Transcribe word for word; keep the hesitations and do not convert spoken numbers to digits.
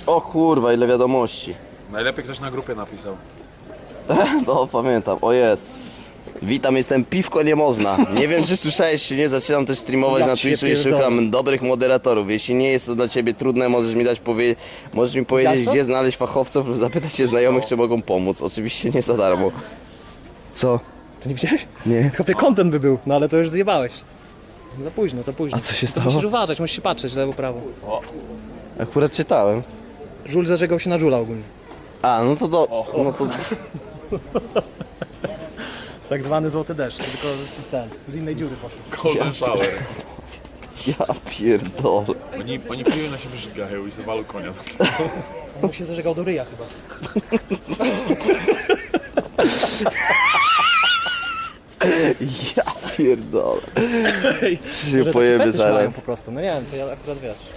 O kurwa, ile wiadomości. Najlepiej ktoś na grupie napisał. No pamiętam, o jest. Witam, jestem Piwko Nie Można. Nie wiem, czy słyszałeś, czy nie, zaczynam też streamować Ja na cię Twitchu i pierdolę. szukam dobrych moderatorów. Jeśli nie jest to dla Ciebie trudne, możesz mi dać powie... możesz mi powiedzieć, Widziałeś to? gdzie znaleźć fachowców lub zapytać się znajomych, czy mogą pomóc. Oczywiście nie za darmo. Co? To nie widziałeś? Nie. Kopie content by był, no ale to już zjebałeś. Za późno, za późno. A co się To stało? musisz uważać, musisz się patrzeć lewo, prawo. Akurat czytałem. Żul zażegał się na żula ogólnie. A, no to do... no to... Tak zwany złoty deszcz, tylko z, ten, z innej dziury poszedł. Golden shower. Ja pierdolę. Oni, oni piją na siebie żygają i zawalą konia. On mu się zażegał do ryja chyba. Ja pierdolę. Czy się Może pojemy taki fetysz mają zaraz. po prostu, no nie wiem, to ja akurat wiesz.